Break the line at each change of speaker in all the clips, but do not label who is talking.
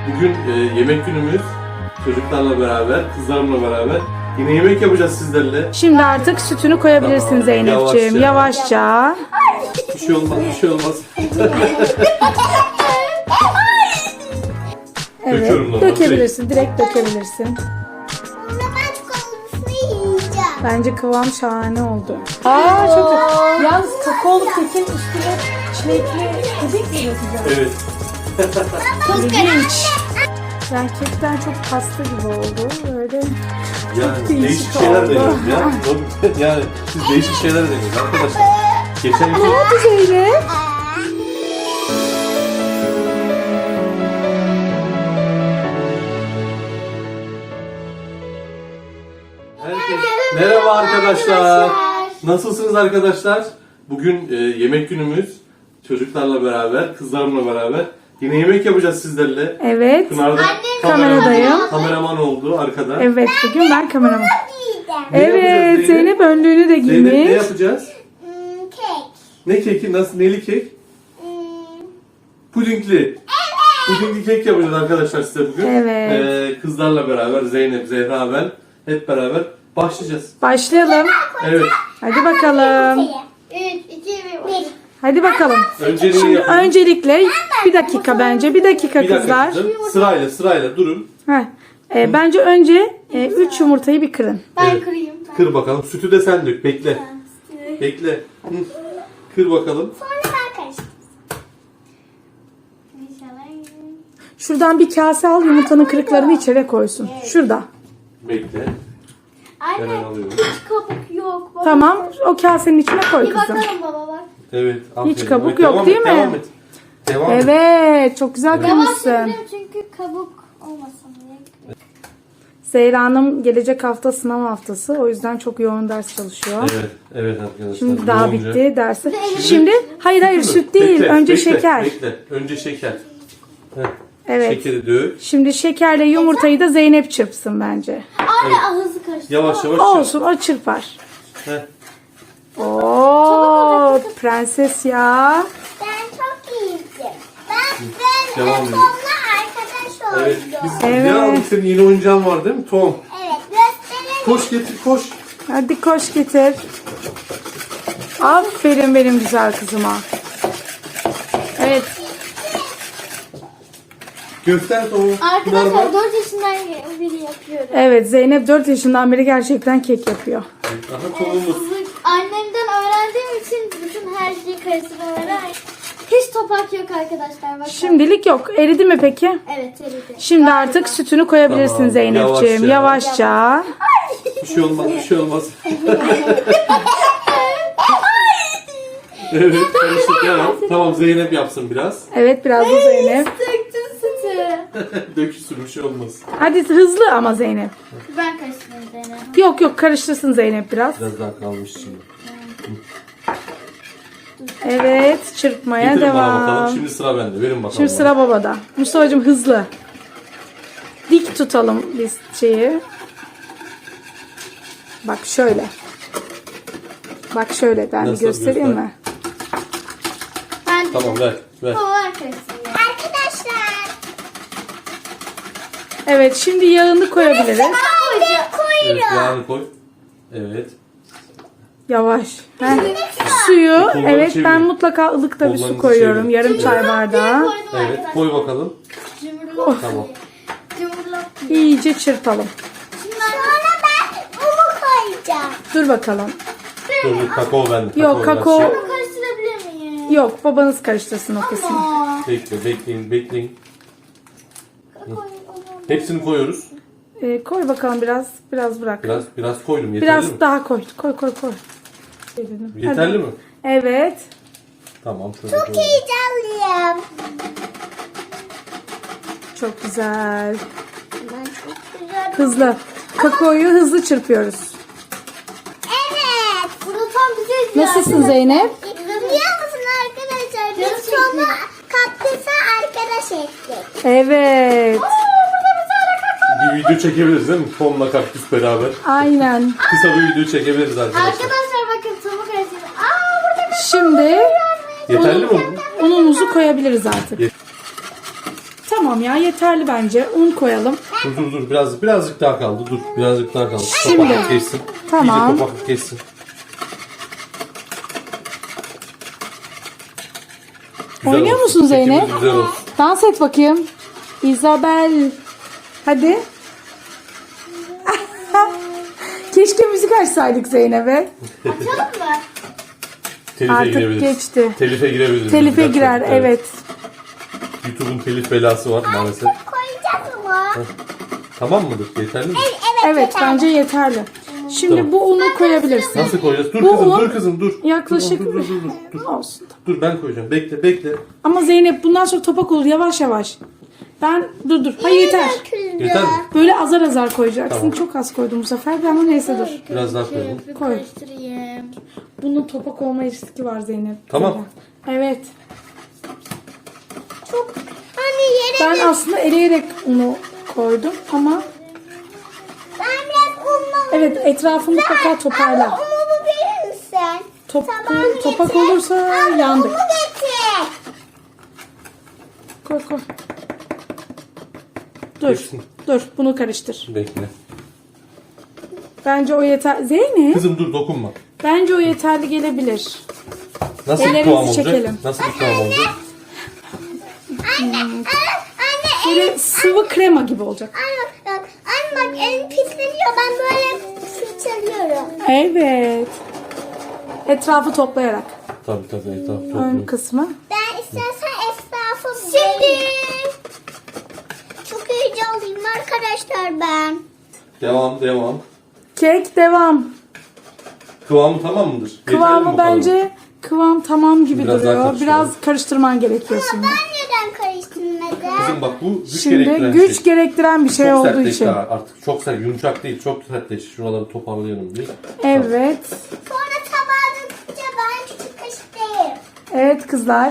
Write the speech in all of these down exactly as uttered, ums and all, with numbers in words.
Bugün e, yemek günümüz. Çocuklarla beraber, kızlarımla beraber. Yine yemek yapacağız sizlerle.
Şimdi artık sütünü koyabilirsin
Tamam,
Zeynep'ciğim.
yavaşça.
Yavaşça.
Bir şey olmaz, bir şey olmaz.
Evet.
Döküyorum normal,
Dökebilirsin. Direkt dökebilirsin.
Sonra ben çikolatasını yiyeceğim.
Bence kıvam şahane oldu. Aa çok güzel. Yalnız kakaolu kekin üstüne çilekli puding mi yapacağız?
Evet.
İlginç. Ben kekten çok pasta gibi oldu. Böyle
Yani
değişik
değişik şeyler
oldu.
deniyoruz ya. Yani siz değişik şeyler deniyoruz arkadaşlar. Geçen gün
ne oldu Zeynep?
Herkes... Merhaba arkadaşlar. Nasılsınız arkadaşlar? Bugün e, yemek günümüz. Çocuklarla beraber, kızlarımla beraber. Yine yemek yapacağız sizlerle.
Evet.
Pınar da
Kameradayım.
kameraman oldu arkada.
Evet bugün ben kameraman.
Yiyeceğim.
Ne yapacağız
Evet Zeynep önlüğünü de
Zeynep ne
giymiş.
yapacağız?
Hmm, kek.
Ne keki? Nasıl? Neli kek?
Hmm,
Pudingli. Pudingli kek yapacağız arkadaşlar size bugün.
Evet.
Ee, kızlarla beraber Zeynep, Zehra, ben hep beraber başlayacağız.
Başlayalım.
Evet.
Hadi bakalım.
üç, iki, bir.
Hadi bakalım.
Önceliği
Şimdi
yapın.
öncelikle bir dakika bence. Bir dakika
Bir dakika
kızlar.
kızım. Sırayla sırayla durun.
Heh. Ee, bence önce üç yumurtayı bir kırın.
Ben
Evet.
kırayım. Ben.
Kır bakalım. Sütü de sen dök. Bekle. Bekle. Hı. Kır bakalım.
Sonra ben karıştırayım. İnşallah.
Şuradan bir kase al yumurtanın kırıklarını içeri koysun. Şurada.
Bekle. Hemen
Anne
alıyorum.
hiç kabuk yok. Baba.
Tamam o kasenin içine koy
Bir
kızım.
bakalım baba bak.
Evet. aferin.
kabuk
Evet,
yok
devam
değil
et,
mi?
Devam et. Devam et.
Evet çok güzel
Yavaş
kırmışsın.
yapıyorum çünkü kabuk olmasın diye.
Zehra Hanım gelecek hafta sınav haftası. O yüzden çok yoğun ders çalışıyor.
Evet. Evet arkadaşlar.
Şimdi daha
Yoğunca.
bitti dersi. Şimdi hayır hayır
Sütü mü?
süt değil.
Bekle,
Önce
bekle,
şeker.
Bekle. Önce şeker. Heh.
Evet.
Şekeri dök.
Şimdi şekerle yumurtayı da Zeynep çırpsın bence.
Anne hızlı karıştır.
Yavaş yavaş.
Olsun o çırpar.
Heh.
Oo prenses ya.
Ben çok iyiydim. Ben, ben
Devam
Devam
edin.
Tom'la arkadaş oldum.
Evet.
Evet,
Biz
Evet.
ne aldık? Senin yeni oyuncağın var değil mi? Tom.
gösterelim.
Koş getir koş.
Hadi koş getir. Aferin benim güzel kızıma. Evet.
Göster Tom'u.
Arkadaşlar dört yaşından beri yapıyorum.
Evet Zeynep dört yaşından beri gerçekten kek yapıyor.
Aha Tom'umuz.
Annemden öğrendiğim için bütün her şeyi karıştırmaları hiç topak yok arkadaşlar. Bakın.
Şimdilik yok. Eridi mi peki?
Evet eridi.
Şimdi artık sütünü koyabilirsin
Tamam,
Zeynep'ciğim.
yavaşça.
Yavaşça.
Bir şey olmaz bir şey olmaz. Evet karıştık ya. Tamam Zeynep yapsın biraz.
Evet biraz da Zeynep.
Döktüm sütü.
Dökülsün bir şey olmaz.
Hadi hızlı ama Zeynep.
Ben karıştırdım Zeynep.
Yok yok karıştırsın Zeynep biraz.
Biraz daha kalmış şimdi.
Evet çırpmaya
Getirin bana
devam.
bakalım. Şimdi sıra bende. Verin bakalım.
Şimdi sıra babada. Mustafa'cığım hızlı. Dik tutalım biz şeyi. Bak şöyle. Bak şöyle ben bir
Nasıl
göstereyim
göster?
mi?
Ben
Tamam ver ver.
Kovar karıştırıyorum. Arkadaşlar.
Evet şimdi yağını koyabiliriz.
Ben koyacağım.
Evet yağını koy. Evet.
Yavaş. Heh. Suyu
Kolları
evet
çevir.
ben mutlaka ılıkta bir su
Kollarınızı
koyuyorum.
çevir.
Yarım çay bardağı.
Koydum
Evet
arkadaşlar.
koy bakalım.
Cumhurlop.
Tamam.
Cumhurlop.
İyice çırpalım.
Sonra ben umu koyacağım.
Dur bakalım.
Dur dur kakao bende.
Yok,
biraz
kakao-
şey-
Bunu karıştırabilir miyim?
Yok babanız karıştırsın o kısmı.
Aa.
Bekle bekleyin bekleyin.
Kakaoyu onu-
Hepsini koyuyoruz.
Ee, koy bakalım biraz. Biraz bırak.
Biraz biraz koydum yeterli
Biraz
mi?
daha koy. Koy koy koy.
Yeterli mi?
Evet.
Tamam şöyle
Çok
koyalım.
heyecanlıyım.
Çok güzel.
Ben çok güzel.
Hızlı. Kakaoyu hızlı çırpıyoruz.
Evet. Bunu tam bize
Nasılsın Zeynep?
Biliyor musun arkadaşlar? Biz sonra kaktüse arkadaş ettik.
Evet.
Bir video çekebiliriz değil mi? Tom'la kaktüs beraber.
Aynen.
Kısa bir video çekebiliriz arkadaşlar.
Arkadaşlar bakın tavuğu karıştırdım. Aa burada bir
Şimdi
Yeterli mi?
unumuzu koyabiliriz artık.
Ye-
Tamam. Tamam ya, yeterli bence. Un koyalım.
Dur dur dur biraz birazcık daha kaldı. Dur birazcık daha kaldı.
Şimdi.
Topaklık geçsin.
Tamam.
İyice topaklık geçsin. Güzel
Oynuyor
olsun.
musun Zeynep?
Kekimiz güzel olsun.
Dans et bakayım. Isabel. Hadi. Keşke müzik açsaydık Zeynep'e.
Açalım mı?
Telife
Artık
girebiliriz.
geçti.
Telife girebiliriz.
Telife
Gerçekten,
girer, evet.
YouTube'un telif belası var maalesef.
Koyacağız mı?
Tamam mıdır? Yeterli mi?
Evet,
Evet, bence yeterli. Şimdi
Tamam.
bu unu koyabilirsin.
Nasıl koyacağız? Dur
Bu
kızım,
un
dur kızım, dur.
yaklaşık-
Dur, dur, dur, dur, dur.
Olsun.
Dur ben koyacağım. Bekle, bekle.
Ama Zeynep bundan sonra topak olur, yavaş yavaş. Ben dur dur. Hayır yeter.
Yeter mi?
Böyle azar azar koyacaksın.
Tamam.
Çok az koydum bu sefer. Ben ama neyse dur.
Biraz daha koyalım.
Bir
Koy.
karıştırayım.
Bunun topak olma riski var Zeynep.
Tamam.
Evet.
Çok hani yere
Ben aslında eleyerek unu koydum ama
ben biraz unla
evet, etrafını mutlaka toparla.
Ama unumu verir misin?
Top,
Tamam,
topak
getir.
olursa
Abi,
yandık.
unumu getir.
Koy koy. Dur.
Geçsin.
Dur. Bunu karıştır.
Bekle.
Bence o yeter. Zeynep.
Kızım dur dokunma.
Bence o yeterli gelebilir.
Nasıl bir
Ellerimizi
kıvam olacak?
çekelim.
Nasıl bir kıvam olacak?
Anne, anne,
Böyle sıvı krema gibi olacak.
anne bak, anne bak elim pisleniyor. Ben böyle fırçalıyorum.
Evet. Etrafı toplayarak.
Tabii tabii. tabii,
Ön
tabii.
kısmı.
Ben istersen esnafım. Şimdi çok heyecanlıyım arkadaşlar ben.
Devam, devam.
Kek devam.
Kıvamı tamam mıdır? Yeterli mi
Kıvamı
bu kadar?
bence kıvam tamam gibi
Biraz daha
duruyor.
karıştıralım.
Biraz karıştırman gerekiyor şimdi.
Ben neden karıştırmadım?
Kızım bak bu güç
Şimdi
gerektiren
güç
şey.
gerektiren bir şey
Çok
olduğu
sertleşti
için.
ha, artık. Çok sert, yumuşak değil. Çok sertleşti. Şuraları toparlayalım bir.
Evet.
Sonra tabağa dökünce ben küçük kaşık değil.
Evet kızlar.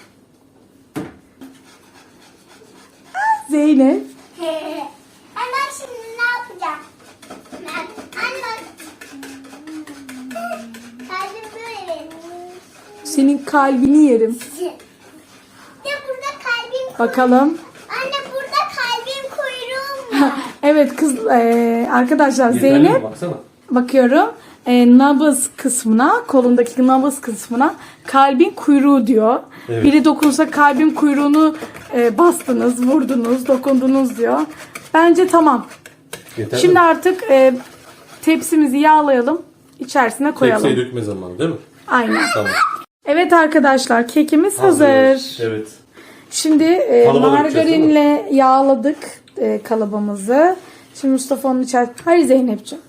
Zeynep.
Anne şimdi ne yapacağım? Ben, anne kalbim böyle.
Senin kalbini yerim.
Ya burada kalbim
Bakalım.
Anne burada kalbim kuyruğum var.
Evet kız eee, arkadaşlar
Yeterli mi?
Zeynep
Baksana.
bakıyorum. Eee, nabız kısmına, kolundaki nabız kısmına kalbin kuyruğu diyor.
Evet.
Biri dokunsa kalbin kuyruğunu eee, bastınız, vurdunuz, dokundunuz diyor. Bence tamam.
Yeterli
Şimdi
mi?
artık eee, tepsimizi yağlayalım. İçerisine koyalım.
Tepsiye dökme zamanı değil mi?
Aynen.
Tamam.
Evet arkadaşlar, kekimiz hazır.
Evet.
Şimdi e,
Kalıba dökeceğiz,
margarinle yağladık e, kalıbımızı. Şimdi Mustafa onun içerisine... Hayır Zeynep'ciğim.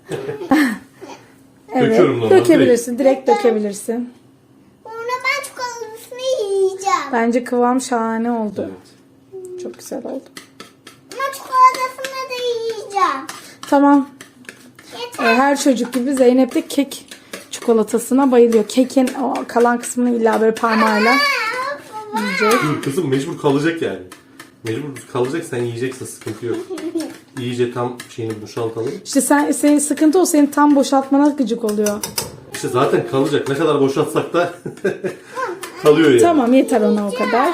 Evet,
Döküyorum normal,
dökebilirsin. Direkt dökebilirsin.
Sonra ben çikolatasını yiyeceğim.
Bence kıvam şahane oldu.
Evet.
Çok güzel oldu.
Ama çikolatasını da yiyeceğim.
Tamam. E,
Yeter.
her çocuk gibi Zeynep de kek çikolatasına bayılıyor. Kekin o kalan kısmını illa böyle parmağıyla yiyecek.
Dur kızım mecbur kalacak yani. Mecbur kalacak, sen yiyeceksin, sıkıntı yok. İyice tam şeyini boşaltalım.
İşte sen, senin sıkıntı o, senin tam boşaltmana gıcık oluyor.
İşte zaten kalacak. Ne kadar boşaltsak da kalıyor yani.
Tamam, yeter ona o kadar.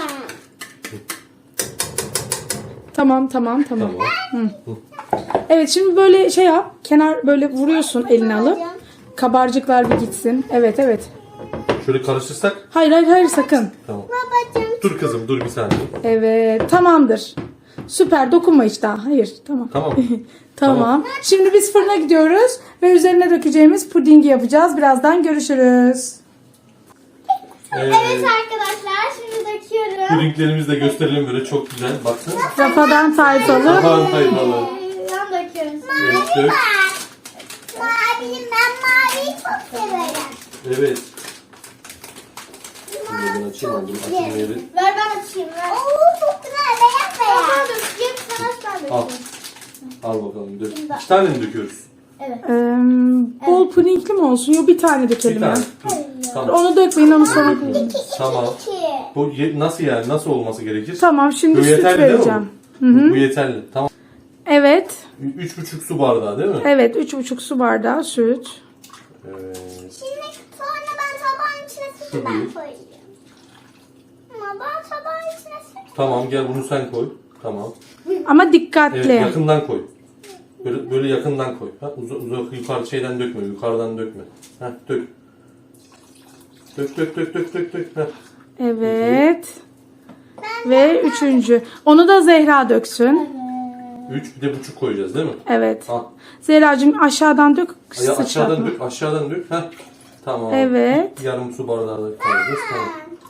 Tamam tamam tamam.
Tamam.
Evet, şimdi böyle şey yap. Kenar böyle vuruyorsun elini alıp. Kabarcıklar bir gitsin. Evet evet.
Şöyle karıştırsak.
Hayır hayır hayır sakın.
Tamam.
Babacığım.
Dur kızım dur bir saniye.
Evet tamamdır. Süper, dokunma hiç daha. Hayır tamam.
Tamam.
Tamam. Şimdi biz fırına gidiyoruz ve üzerine dökeceğimiz pudingi yapacağız. Birazdan görüşürüz.
Evet.
Evet arkadaşlar şimdi döküyorum.
Pudinglerimizi de gösterelim böyle çok güzel. Baksana.
Rafadan tayfalı.
Aman hayvalı.
Yan döküyoruz.
Evet, dök.
Mavi, ben maviyi çok severim.
Evet. Şimdi ben açayım aldım. Açayım yeri.
Ver ben açayım ver. Oo çok güzel beyaz beyaz. Ben dökeceğim sen aç ben
Al.
dökeyim.
Al bakalım dök. İki tane mi döküyoruz?
Evet.
Ee, bol pudingli mi olsun? Yok, bir tane
Bir
dökelim
tane.
ya.
Dur. Tamam.
Onu dökmeyin, onu sonra koyalım.
Tamam.
İki.
Bu ye- nasıl yani? Nasıl olması gerekir?
Tamam, şimdi
Bu
süt
yeterli değil mi
vereceğim.
bu? Bu yeterli. Tamam.
Evet.
Üç buçuk su bardağı değil mi?
Evet, üç buçuk su bardağı süt.
Evet.
Şimdi sonra ben tabağın içine sütü ben
Tabii.
koyacağım. karıştırmadan tabağın içine sık.
Tamam gel bunu sen koy. Tamam.
Ama dikkatli.
Evet yakından koy. Böyle, böyle yakından koy. Ha, uzak uzak yukarı şeyden dökme. Yukarıdan dökme. Ha, dök. Dök dök dök dök dök dök. Ha.
Evet. Ve üçüncü. Onu da Zehra döksün.
Üç bir de buçuk koyacağız değil mi?
Evet.
Al.
Zehracığım aşağıdan dök.
Ya aşağıdan
sıçratma.
dök, aşağıdan dök. Ha. Tamam.
Evet.
Yarım su bardağı da koyacağız. Tamam.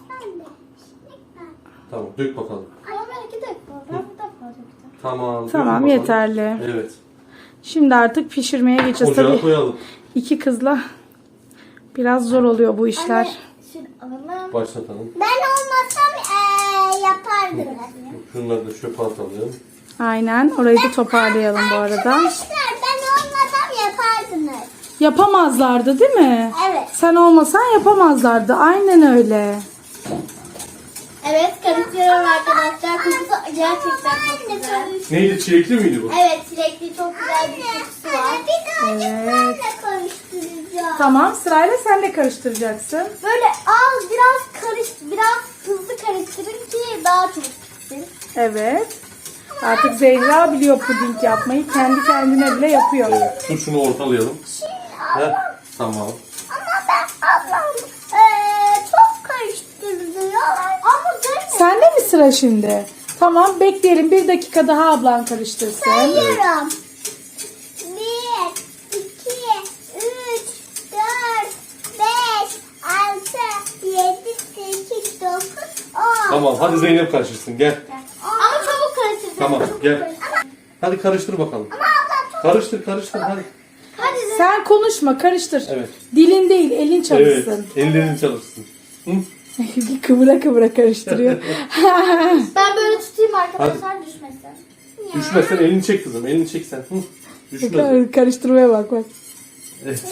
Tamam dök bakalım.
Ama ben iki dakika. Ben bir defa döktüm.
Tamam. dök
Tamam
bakalım.
yeterli.
Evet.
Şimdi artık pişirmeye geçeceğiz.
Ocağa
Tabii
koyalım.
iki kızla biraz zor oluyor bu işler.
Şimdi alalım.
Başlatalım.
Ben olmasam ee, yapardım.
Şunları da çöpe atalım.
Aynen. Orayı da toparlayalım bu arada.
Arkadaşlar ben olmasam yapardınız.
Yapamazlardı değil mi?
Evet.
Sen olmasan yapamazlardı. Aynen öyle.
Evet karıştırıyorum arkadaşlar. Kokusu gerçekten çok güzel.
Neydi çilekli miydi bu?
Evet çilekli çok güzel bir kokusu var. Bir tane
Evet.
karıştıracağım.
Tamam sırayla sen de karıştıracaksın.
Böyle az biraz karış biraz hızlı karıştırın ki daha çok pişsin.
Evet. Artık Zehra biliyor puding yapmayı. Kendi kendine bile yapıyor.
Evet. Dur şunu ortalayalım. Heh, tamam.
Ama ben ablam eee, çok karıştırıyor. Ama ben
Sende mi sıra şimdi? Tamam bekleyelim. Bir dakika daha ablan karıştırsın.
sayıyorum. Bir, iki, üç, dört, beş, altı, yedi, sekiz, dokuz, on.
Tamam hadi Zeynep karıştırsın gel.
Ama çabuk karıştıracağım.
Tamam,
çabuk
gel.
karıştır.
Hadi karıştır bakalım.
Ama ablam çok...
Karıştır karıştır hadi.
Hadi Zeynep.
Sen konuşma karıştır.
Evet.
Dilin değil elin
Evet.
çalışsın.
Ellerin çalışsın. Hı?
kıvıra kıvıra karıştırıyor.
Ben böyle tutayım arkadaşlar düşmesin.
Düşmezsen elini çek kızım. Elini çek sen. Hı? Düşmez.
Kar- Karıştırmaya bak bak.
Evet.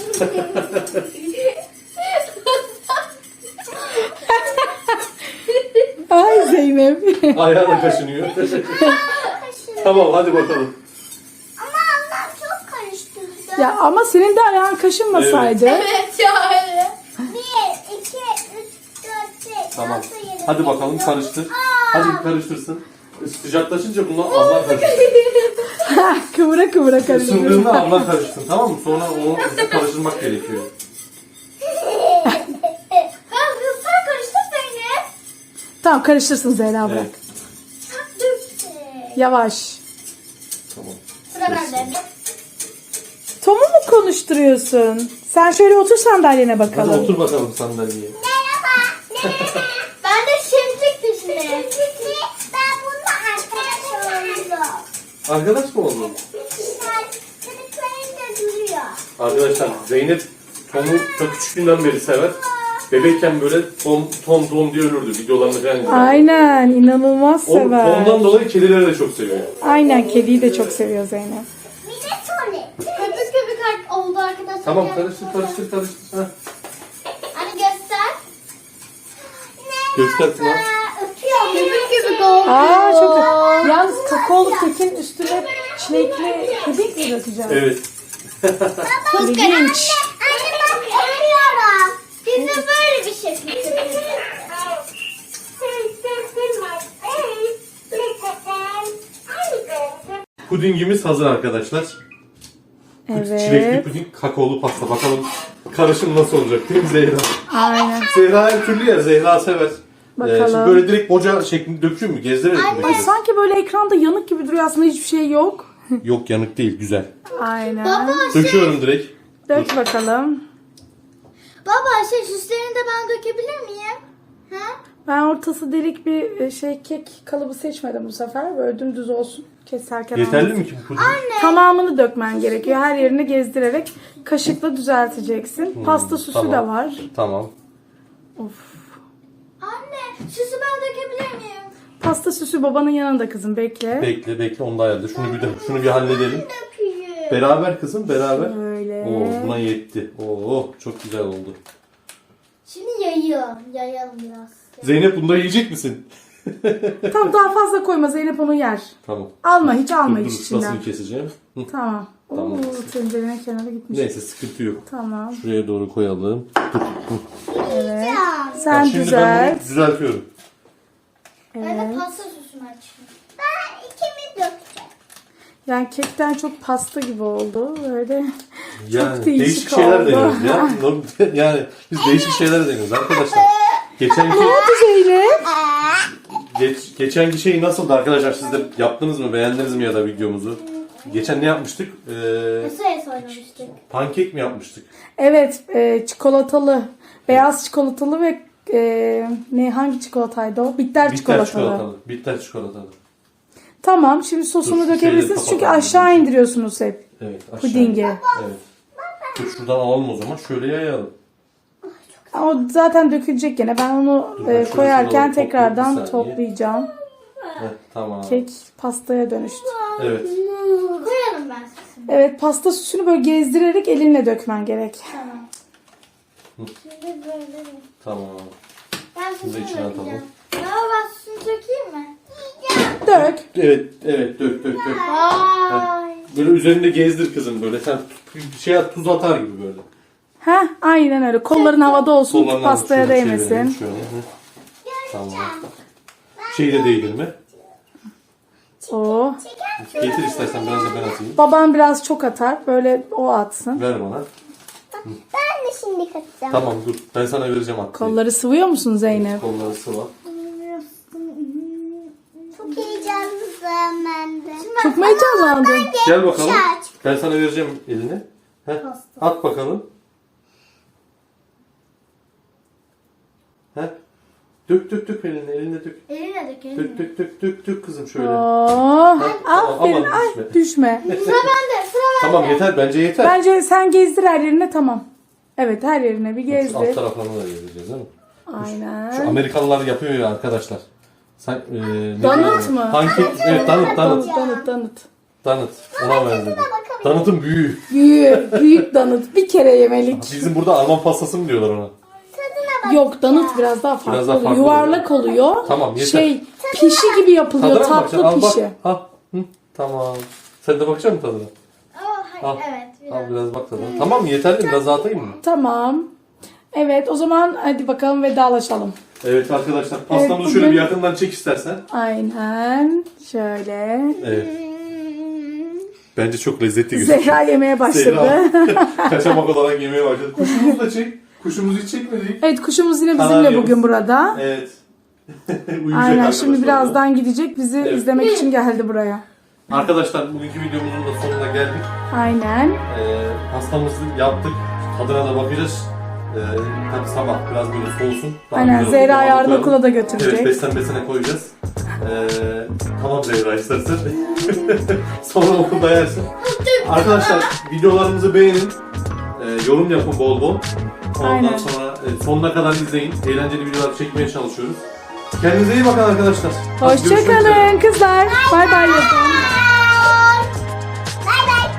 Ay Zeynep.
Ayağına kaşınıyor. Tamam hadi bakalım.
Ama ablam çok karıştırdı.
Ya ama senin de ayağın kaşınmasaydı.
Evet ya öyle. Bir, iki, üç, dört, beş,
Tamam.
altı, yedi,
Hadi bakalım
sekiz,
karıştır.
dokuz.
Hadi karıştırsın. Sıcaklaşınca bunlar ablan karıştır.
kıvıra kıvıra karıştırıyor.
Isındığında ablan karışsın tamam mı? Sonra onu karıştırmak gerekiyor.
Ben sen karıştır Zeynep.
Tamam karıştırsın Zehra bırak.
Evet.
Döktü.
Yavaş.
Tamam.
Sıra bende.
Tom'u mu konuşturuyorsun? Sen şöyle otur sandalyene
Hadi
bakalım.
otur bakalım sandalyeye.
Merhaba. Ben de şimşek peşinde. Ben bununla arkadaş oldum.
Arkadaş mı oldun?
Çocuklarım da duruyor.
Arkadaşlar Zeynep Tom'u çok küçüklüğünden beri sever. Bebekken böyle Tom Tom Tom diye ölürdü. Videolarını falan izlerdi.
Aynen inanılmaz
O,
sever.
ondan dolayı kedileri de çok seviyor.
Aynen kediyi de çok seviyor Zeynep.
Bir de tuvalet. Köpük köpük oldu arkadaşlar.
Tamam karıştır karıştır karıştır. Heh.
Hani göster.
Göster Pınar.
Öpüyor. Köpük köpük oldu.
Aa çok güzel. Yalnız kakaolu kekin üstüne çilekli puding mi dökeceğiz?
Evet.
İlginç.
Anne bak öpüyorum. Biz de böyle bir şey yapıyoruz.
Pudingimiz hazır arkadaşlar. Çilekli
Evet.
puding, kakaolu pasta. Bakalım karışım nasıl olacak değil mi Zehra?
Aynen.
Zehra her türlü yer. Zehra sever.
Bakalım.
şimdi böyle direkt boca şeklinde döküyor mu? Gezdirerek mi
Ay
döküyoruz?
sanki böyle ekranda yanık gibi duruyor aslında hiçbir şey yok.
Yok yanık değil. Güzel.
Aynen.
Baba
Döküyorum direkt.
Dök bakalım.
Baba şey süslerini de ben dökebilir miyim? Ha?
Ben ortası delik bir şey kek kalıbı seçmedim bu sefer. Böyle dümdüz olsun. Keserken
Yeterli
olmasın.
mi ki bu puding?
Tamamını dökmen gerekiyor. Her yerini gezdirerek kaşıkla düzelteceksin. Pasta süsü
tamam.
de var.
Tamam.
Of.
Anne süsü ben dökebilir miyim?
Pasta süsü babanın yanında kızım bekle.
Bekle bekle onu da ayarla. Şunu bir de şunu bir halledelim.
Döküyorum.
Beraber kızım beraber.
Böyle.
Oo buna yetti. Oo çok güzel oldu.
Şimdi yayıyorum. Yayalım biraz.
Zeynep bunu da yiyecek misin?
Tamam daha fazla koyma Zeynep onu yer.
Tamam.
Alma hiç alma
Dur,
hiç
dur
içinden.
ıslasını keseceğim. Hı.
Tamam.
Tamam.
Oo, tencerenin kenarı gitmiş.
Neyse sıkıntı yok.
Tamam.
Şuraya doğru koyalım. Dur. Hı.
Evet.
Bak,
Sen
şimdi ben
düzelt.
bunu düzeltiyorum.
Ben de
Evet.
pasta sosunu açayım. Ben ikimi dökeceğim.
Yani kekten çok pasta gibi oldu. Böyle
Yani
değişik
değişik, şeyler
oldu.
deniyoruz ya. Norm- yani biz değişik şeyler deniyoruz arkadaşlar. Geçenki
ne oldu Zeynep?
geç, geçenki şey nasıldı arkadaşlar? Siz de yaptınız mı? Beğendiniz mi ya da videomuzu? Geçen ne yapmıştık? Ee,
Masaya oynamıştık.
pankek mi yapmıştık?
Evet, e, çikolatalı, beyaz çikolatalı ve e, ne hangi çikolataydı o? Bitter,
Bitter
çikolatalı.
çikolatalı. Bitter çikolatalı.
Tamam, şimdi sosunu
Dur,
dökebilirsiniz
şeyleri
çünkü
kapatalım.
aşağı indiriyorsunuz hep
Evet. aşağı.
pudingi.
Evet. Dur şuradan alalım o zaman. Şöyle yayalım.
O zaten dökülecek gene. Ben onu
Dur,
e,
ben şöyle
koyarken
şuraları
tekrardan
toplayayım, bir saniye.
toplayacağım.
Heh, tamam.
Kek pastaya dönüştü.
Evet.
Koyalım ben sosunu.
Evet, pasta süsünü böyle gezdirerek elinle dökmen gerek.
Tamam. Şimdi böyle.
Tamam.
Ben
Bunu da
sosunu
içine atalım.
dökeceğim. Baba ben sosunu dökeyim mi?
Dök.
Evet, evet. Dök, dök, dök.
Vay.
Böyle üzerinde gezdir kızım böyle. Sen bir şey at, tuz atar gibi böyle.
Heh, aynen öyle. Kolların havada olsun,
Kollarını
pastaya
şöyle
değmesin.
çevirelim şöyle. Hı. Tamam. Şey de değdirme.
Oo.
Getir istersen biraz da ben atayım.
Baban biraz çok atar. Böyle o atsın.
Ver bana.
Ben de şimdi katacağım.
Tamam dur. Ben sana vereceğim at. diye.
Kolları sıvıyor musun Zeynep?
Kolları sıva.
Çok heyecanlıyım ben de.
Çok mu heyecanlandın?
Gel bakalım.
Şaş.
Ben sana vereceğim elini. Heh. At bakalım. Heh. Dök dök dök elini. Eline dök.
Eline dök eline.
Dök dök dök dök dök kızım şöyle.
Oo.
Heh,
Aferin.
aman
Ay,
düşme.
düşme.
Sıra bende sıra bende.
Tamam yeter bence yeter.
Bence sen gezdir her yerine, tamam. Evet, her yerine bir
Şu alt
gezdir.
taraflarını da gezdireceğiz değil mi? Şu
Aynen.
Amerikalılar yapıyor ya arkadaşlar. Sen, e, ne
Donut
diyorlar?
mu?
Pankek, evet donut, donut.
Donut, donut, donut.
Donut. Ona benziyor. Donut'un büyüğü.
Büyük, büyük donut. Bir kere yemelik.
Bizim burada Alman pastası mı diyorlar ona?
Yok, donut biraz daha farklı,
Biraz daha
oluyor.
farklı
Yuvarlak oluyor.
Tamam, yeter.
Şey, pişi gibi yapılıyor.
Tadına mı bakacaksın?
Tatlı
Al bak.
pişi.
Al. Hı, tamam. Sen de bakacak mısın tadına?
Oh, hayır,
Al.
evet biraz.
Al biraz bak tadına. Tamam mı? Yeterli mi? Biraz daha atayım mı?
Tamam. Evet, o zaman hadi bakalım vedalaşalım.
Evet arkadaşlar pastamızı
Evet,
şöyle
bugün-
bir yakından çek istersen.
Aynen. Şöyle.
Evet. Bence çok lezzetli gözüküyor.
Zehra yemeye başladı.
Zehra kaçamak olarak yemeye başladı. Kuşumuzu da çek. Kuşumuzu hiç çekmedik.
Evet, kuşumuz yine bizimle
Kanaryamız.
bugün burada.
Evet. Uyuyacak
Aynen,
arkadaşlar
şimdi
da.
birazdan gidecek. Bizi
Evet.
izlemek için geldi buraya.
Arkadaşlar bugünkü videomuzun da sonuna geldik.
Aynen.
Ee, pastamızı yaptık. Tadına da bakacağız. Ee, tabii sabah biraz böyle soğusun. Daha
Aynen,
güzel olur.
Zehra
Daha
yarın
koyalım.
okula da
Evet,
götürecek.
beslen besene koyacağız. Ee, tamam Zehra istersen. Sonra okulda yersin. Arkadaşlar videolarımızı beğenin. Ee, yorum yapın bol bol. Ondan
Aynen.
sonra e, sonuna kadar izleyin. Eğlenceli videolar çekmeye çalışıyoruz. Kendinize iyi bakın arkadaşlar. Hadi görüşmek üzere.
Hoşçakalın kızlar. Bay bay yapın.